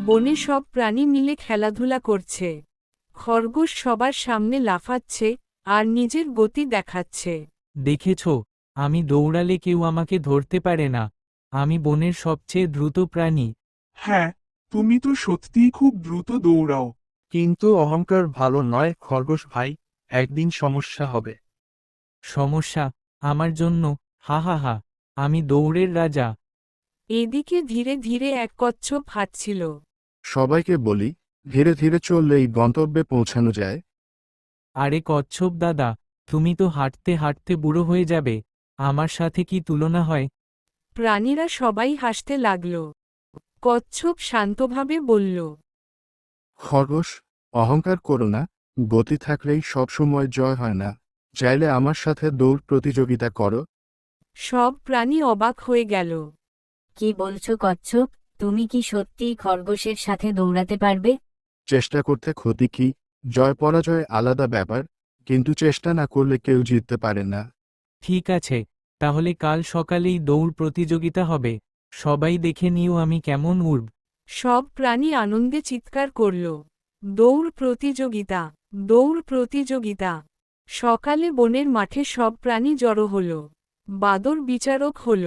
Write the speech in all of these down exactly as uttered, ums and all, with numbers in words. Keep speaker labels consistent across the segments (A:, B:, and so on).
A: বনে সব প্রাণী মিলে খেলাধুলা করছে। খরগোশ সবার সামনে লাফাচ্ছে আর নিজের গতি দেখাচ্ছে।
B: দেখেছ, আমি দৌড়ালে কেউ আমাকে ধরতে পারে না। আমি বনের সবচেয়ে দ্রুত প্রাণী।
C: হ্যাঁ, তুমি তো সত্যিই খুব দ্রুত দৌড়াও।
D: কিন্তু অহংকার ভালো নয় খরগোশ ভাই, একদিন সমস্যা হবে।
B: সমস্যা? আমার জন্য? হা হা হা, আমি দৌড়ের রাজা।
A: এদিকে ধীরে ধীরে এক কচ্ছপ হাঁটছিল।
D: সবাইকে বলি, ধীরে ধীরে চললেই গন্তব্যে পৌঁছানো যায়।
B: আরে কচ্ছপ দাদা, তুমি তো হাঁটতে হাঁটতে বুড়ো হয়ে যাবে, আমার সাথে কি তুলনা হয়?
A: প্রাণীরা সবাই হাসতে লাগল। কচ্ছপ শান্তভাবে বলল,
D: খরগোশ, অহংকার করো না, গতি থাকলেই সবসময় জয় হয় না। চাইলে আমার সাথে দৌড় প্রতিযোগিতা করো।
A: সব প্রাণী অবাক হয়ে গেল।
E: কি বলছো কচ্ছপ? তুমি কি সত্যিই খরগোশের সাথে দৌড়াতে পারবে?
D: চেষ্টা করতে ক্ষতি কি? জয় পরাজয় আলাদা ব্যাপার, কিন্তু চেষ্টা না করলে কেউ জিততে পারে না।
B: ঠিক আছে, তাহলে কাল সকালেই দৌড় প্রতিযোগিতা হবে। সবাই দেখে নিও আমি কেমন উড়ব।
A: সব প্রাণী আনন্দে চিৎকার করল, দৌড় প্রতিযোগিতা, দৌড় প্রতিযোগিতা। সকালে বনের মাঠে সব প্রাণী জড়ো হল। বাদর বিচারক হল।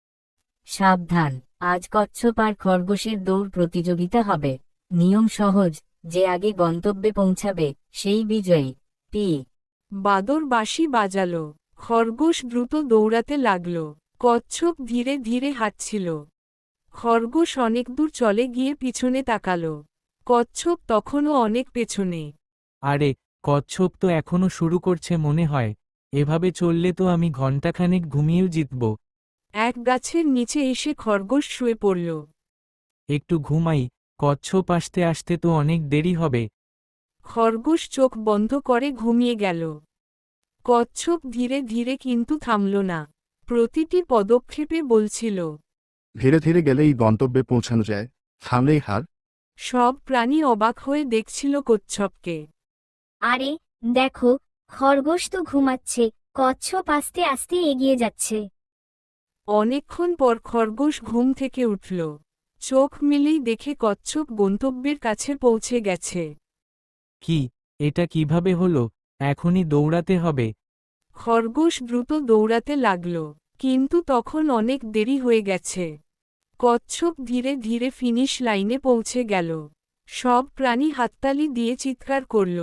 E: সাবধান, আজ কচ্ছপ আর খরগোশের দৌড় প্রতিযোগিতা হবে। নিয়ম সহজ, যে আগে গন্তব্যে পৌঁছাবে সেই বিজয়ী। পি
A: বাদর বাঁশি বাজাল। খরগোশ দ্রুত দৌড়াতে লাগল। কচ্ছপ ধীরে ধীরে হাঁটছিল। খরগোশ অনেক দূর চলে গিয়ে পিছনে তাকাল। কচ্ছপ তখনও অনেক পেছনে।
B: আরে, কচ্ছপ তো এখনো শুরু করছে মনে হয়। এভাবে চললে তো আমি ঘণ্টাখানেক ঘুমিয়েও জিতব।
A: এক গাছের নিচে এসে খরগোশ শুয়ে পড়ল।
B: একটু ঘুমাই, কচ্ছপ আসতে আসতে তো অনেক দেরি হবে।
A: খরগোশ চোখ বন্ধ করে ঘুমিয়ে গেল। কচ্ছপ ধীরে ধীরে কিন্তু থামল না। প্রতিটি পদক্ষেপে বলছিল,
D: ধীরে ধীরে গেলেই গন্তব্যে পৌঁছানো যায়, থামলেই হার।
A: সব প্রাণী অবাক হয়ে দেখছিল কচ্ছপকে।
F: আরে দেখো, খরগোশ তো ঘুমাচ্ছে, কচ্ছপ আস্তে আস্তে এগিয়ে যাচ্ছে।
A: অনেকক্ষণ পর খরগোশ ঘুম থেকে উঠল। চোখ মিলেই দেখে কচ্ছপ গন্তব্যের কাছে পৌঁছে গেছে।
B: কি, এটা কিভাবে হলো? এখনই দৌড়াতে হবে।
A: খরগোশ দ্রুত দৌড়াতে লাগল, কিন্তু তখন অনেক দেরি হয়ে গেছে। কচ্ছপ ধীরে ধীরে ফিনিশ লাইনে পৌঁছে গেল। সব প্রাণী হাততালি দিয়ে চিৎকার করল।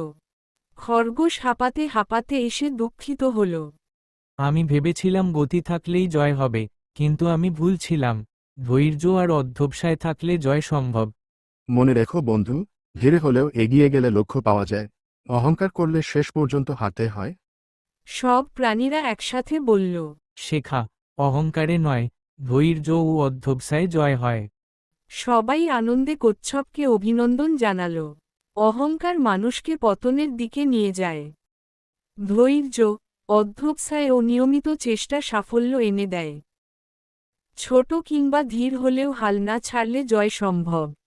A: খরগোশ হাঁপাতে হাঁপাতে এসে দুঃখিত হল।
B: আমি ভেবেছিলাম গতি থাকলেই জয় হবে, কিন্তু আমি ভুল ছিলাম। ধৈর্য আর অধ্যবসায় থাকলে জয় সম্ভব।
D: মনে রেখো বন্ধু, ধীরে হলেও এগিয়ে গেলে লক্ষ্য পাওয়া যায়। অহংকার করলে শেষ পর্যন্ত হাঁটতে হয়।
A: সব প্রাণীরা একসাথে বলল,
B: শেখা, অহংকারে নয়, ধৈর্য ও অধ্যবসায়ে জয় হয়।
A: সবাই আনন্দে কচ্ছপকে অভিনন্দন জানাল। অহংকার মানুষকে পতনের দিকে নিয়ে যায়। ধৈর্য, অধ্যবসায় ও নিয়মিত চেষ্টা সাফল্য এনে দেয়। ছোট কিংবা ধীর হলেও হাল না ছাড়লে জয় সম্ভব।